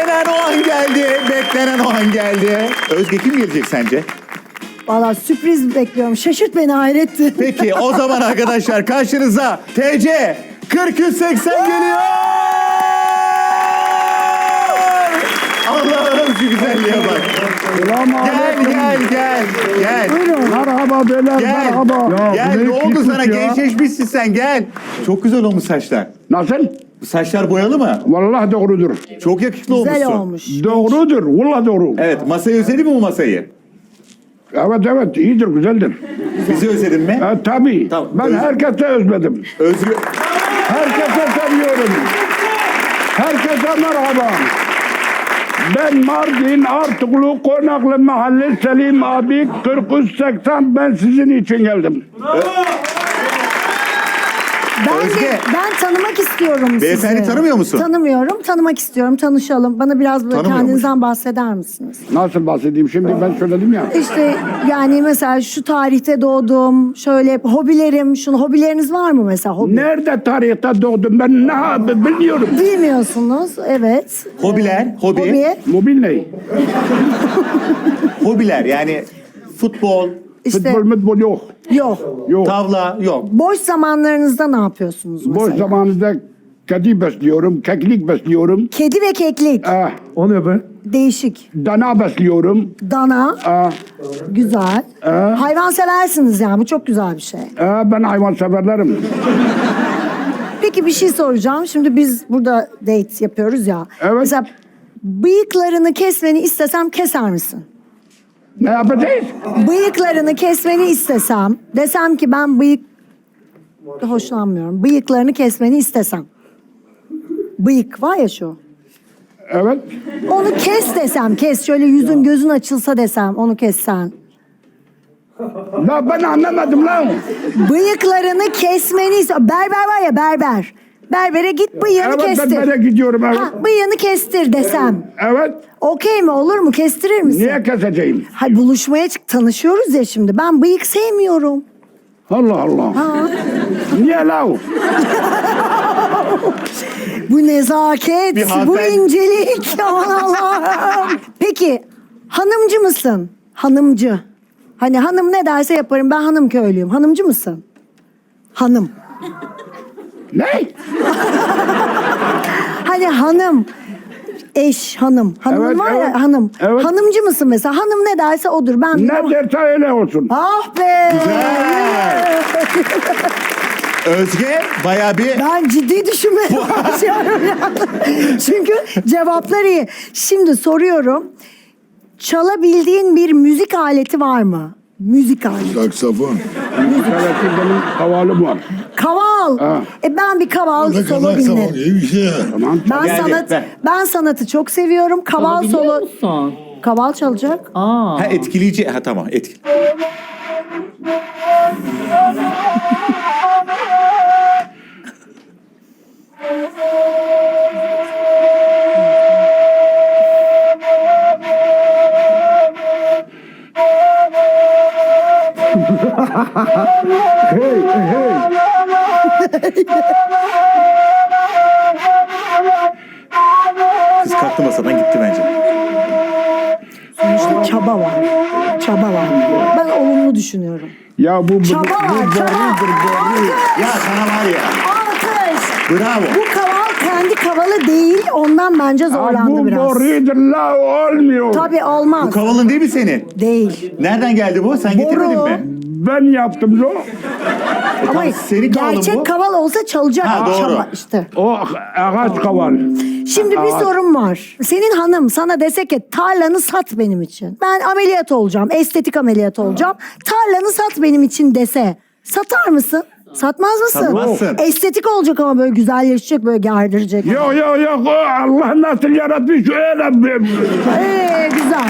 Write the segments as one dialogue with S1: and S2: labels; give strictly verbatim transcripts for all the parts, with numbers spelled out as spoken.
S1: Beklenen o an geldi. Beklenen o an geldi. Özge kim gelecek sence?
S2: Valla sürpriz bekliyorum. Şaşırt beni Hayrettin.
S1: Peki o zaman arkadaşlar karşınıza T C kırk üç seksen geliyor. Allah'ım şu güzelliğe bak. Gel gel gel gel.
S2: Buyurun.
S3: Merhaba beyler,
S1: Gel.
S3: merhaba. Ya,
S1: Gel
S3: bu
S1: ne oldu
S3: küçük
S1: sana?
S3: ya.
S1: Gençleşmişsin sen gel. Çok güzel olmuş saçlar.
S3: Nasıl?
S1: Saçlar boyalı mı?
S3: Vallahi doğrudur.
S1: Çok yakışıklı
S2: Güzel
S1: olmuşsun.
S2: olmuş.
S3: Doğrudur, vallahi doğru.
S1: Evet, masayı özledin mi bu masayı?
S3: Evet evet, iyidir, güzeldir.
S1: Bizi özledin mi?
S3: E, tabii.
S1: Tamam,
S3: Ben
S1: öz-
S3: herkese özledim.
S1: Özgür...
S3: Herkese seviyorum. Herkese merhaba. Ben Mardin Artuklu Konaklı Mahalle Selim abi kırk üç seksen, ben sizin için geldim.
S2: Ben,
S1: Özge.
S2: de, ben tanımak istiyorum sizi.
S1: Beyefendi tanımıyor musun?
S2: Tanımıyorum. Tanımak istiyorum. Tanışalım. Bana biraz böyle
S1: Tanımıyormuş.
S2: kendinizden bahseder misiniz?
S3: Nasıl bahsedeyim şimdi, ben söyledim ya.
S2: İşte yani mesela şu tarihte doğdum. Şöyle hobilerim. Şunu hobileriniz var mı mesela? Hobi.
S3: Nerede tarihte doğdum ben, ne abi biliyorum.
S2: Bilmiyorsunuz. Evet.
S1: Hobiler, hobi,
S2: Hobi.
S3: Mobil ne?
S1: hobiler yani futbol,
S2: İşte
S3: Futbol mutbol yok.
S2: yok.
S3: Yok.
S1: tavla yok.
S2: Boş zamanlarınızda ne yapıyorsunuz mesela?
S3: Boş zamanında kedi besliyorum, keklik besliyorum.
S2: Kedi ve keklik.
S3: Eh,
S4: O ne be?
S2: Değişik.
S3: dana besliyorum.
S2: Dana.
S3: Eh,
S2: Güzel. Hayvan seversiniz yani. Bu çok güzel bir şey.
S3: eh, ben hayvan severlerim.
S2: Peki bir şey soracağım. Şimdi biz burada date yapıyoruz ya.
S3: Evet.
S2: Mesela bıyıklarını kesmeni istesem keser misin?
S3: Ne yapacağız?
S2: Bıyıklarını kesmeni istesem, desem ki ben bıyık hoşlanmıyorum. Bıyıklarını kesmeni istesem. Bıyık var ya şu.
S3: Evet.
S2: Onu kes desem, kes. Şöyle yüzün gözün açılsa desem, onu kessen.
S3: La ben anlamadım lan.
S2: Bıyıklarını kesmeni iste- Berber var ya berber. Berbere git bıyığını
S3: Evet, ben
S2: kestir.
S3: böyle gidiyorum, evet.
S2: Ha, bıyığını kestir desem.
S3: Evet.
S2: Okey mi, olur mu? Kestirir misin?
S3: Niye keseceğim?
S2: Hay buluşmaya çık, tanışıyoruz ya şimdi. Ben bıyık sevmiyorum.
S3: Allah Allah. Niye la?
S2: Bu nezaket,
S1: Bir
S2: bu
S1: hanımefendi-
S2: incelik. Aman Allah'ım. Peki hanımcı mısın? Hanımcı. Hani hanım ne derse yaparım, ben hanım köylüyüm. Hanımcı mısın? Hanım.
S3: Ne?
S2: Hani hanım. Eş, hanım. Hanımın
S3: Evet,
S2: var
S3: evet.
S2: ya hanım.
S3: Evet.
S2: Hanımcı mısın mesela? Hanım ne derse odur. Ben
S3: Ne derse öyle olsun.
S2: Ah be.
S1: Güzel. Özge bayağı bir...
S2: Ben ciddi düşünmeye başlıyorum yani. Çünkü cevaplar iyi. Şimdi soruyorum. Çalabildiğin bir müzik aleti var mı? Müzik aleti.
S5: Saksafon.
S3: Müzikaletin benim havalım var.
S2: Kaval.
S3: Ha.
S2: E ben bir kaval
S5: Ne
S2: solo
S5: kadar saksafon
S2: dinlerim.
S5: iyi bir şey.
S3: Tamam.
S2: Ben
S1: Geldi,
S2: sanat
S1: ver.
S2: ben sanatı çok seviyorum. Kaval
S6: Biliyor
S2: solo.
S6: musun?
S2: Kaval çalacak.
S6: Aa.
S1: Ha etkileyici. Ha tamam etkili.
S3: Hey hey.
S1: Kız kalktı masadan gitti bence.
S2: Sonuçta çaba var. Çaba var. Ben olumlu düşünüyorum.
S3: Ya bu bu, bu,
S2: Çaba var,
S3: bu
S2: çaba.
S3: borudur boru.
S1: Ya sana var ya.
S2: Alkış.
S1: Bravo.
S2: Bu kaval kendi kavalı değil. Ondan bence
S3: Aa,
S2: zorlandı
S3: bu
S2: biraz.
S3: borudur la, olmuyor.
S2: Tabii olmaz.
S1: Bu kavalın değil mi senin?
S2: Değil.
S1: Nereden geldi bu? Sen getirmedin
S2: Boru.
S1: mi?
S3: Ben yaptım lo.
S2: Ama
S1: senin kavalın
S2: gerçek
S1: bu.
S2: kaval olsa çalacak.
S1: Ha, doğru.
S2: Çaba işte.
S3: O ağaç kaval.
S2: Şimdi bir
S3: Aa.
S2: sorum var. Senin hanım sana dese ki tarlanı sat benim için. Ben ameliyat olacağım. Estetik ameliyat olacağım. Tarlanı sat benim için dese. Satar mısın? Satmaz mısın?
S1: Satmazsın.
S2: Estetik olacak ama böyle güzelleşecek, böyle gerdirecek.
S3: Yok yok yok, o Allah nasıl yaratmış öyle bir.
S2: Ee, güzel.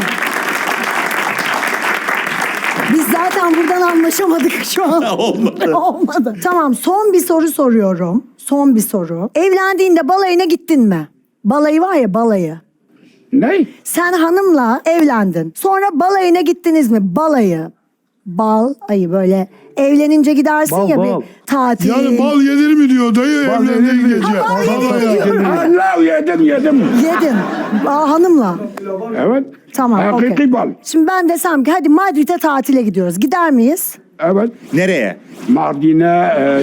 S2: Biz zaten buradan anlaşamadık şu an.
S1: Olmadı.
S2: Olmadı. Tamam, son bir soru soruyorum. Son bir soru. Evlendiğinde balayına gittin mi? Balayı var ya, balayı.
S3: Ne?
S2: Sen hanımla evlendin. Sonra balayına gittiniz mi? Balayı. Bal ayı böyle evlenince gidersin
S4: Bal,
S2: ya
S4: bal.
S2: bir tatil.
S5: Yani bal yenir mi diyor dayı
S4: Bal
S5: evlendiği
S4: yenir mi?
S5: gece.
S2: Ha, bal
S5: Bal
S2: yenir
S5: ya.
S2: diyor.
S3: Allah yedim yedim.
S2: Yedin. Aa, hanımla.
S3: Evet.
S2: Tamam.
S3: Hakiki
S2: okey.
S3: bal.
S2: Şimdi ben desem ki hadi Madrid'e tatile gidiyoruz. Gider miyiz?
S3: Evet.
S1: Nereye?
S3: Mardin'e e,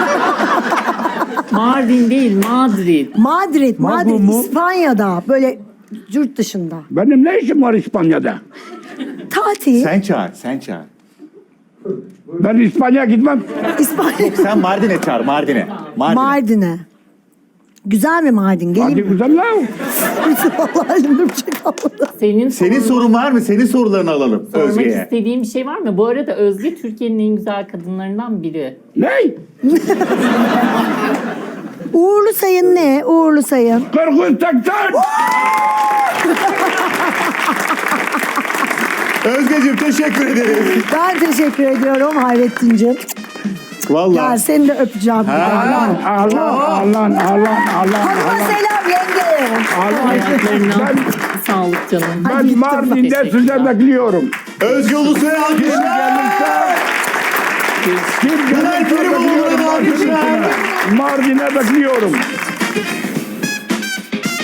S4: Mardin değil, Madrid.
S2: Madrid, Madrid,
S1: Magnum mu?
S2: İspanya'da. Böyle yurt dışında.
S3: benim ne işim var İspanya'da?
S2: Tatil.
S1: Sen çağır, sen çağır.
S3: Ben İspanya'ya gitmem.
S2: İspanya.
S1: Sen Mardin'e çağır, Mardin'e. Mardin'e.
S2: Mardin'e. Güzel mi Mardin?
S3: Hadi
S2: Geleyim mi?
S3: güzel lan.
S2: Vallahi elimde bir şey kalmadı.
S4: Senin,
S1: Senin
S4: sorun-
S1: sorun var mı? Senin sorularını alalım
S4: sormak
S1: Özge'ye.
S4: istediğin bir şey var mı? Bu arada Özge Türkiye'nin en güzel kadınlarından biri.
S3: Ne?
S2: Uğurlu sayın ne? Uğurlu sayın.
S3: kırk üç seksen.
S1: Özgeciğim teşekkür ederiz.
S2: Ben teşekkür ediyorum Hayrettin'cim.
S1: Vallahi.
S2: Gel seni de öpeceğim.
S1: Ha.
S3: Allah Allah Allah Allah.
S2: Hanıma selam yenge.
S4: Hayatlarına sağlık canım.
S3: Ben Mardin'de
S4: Teşekkürler.
S3: size bekliyorum.
S1: Özge Ulusoy'a alkışlar.
S3: Kim
S1: Günay Kerimoğlu'na da alkışlar.
S3: Mardin'e bekliyorum.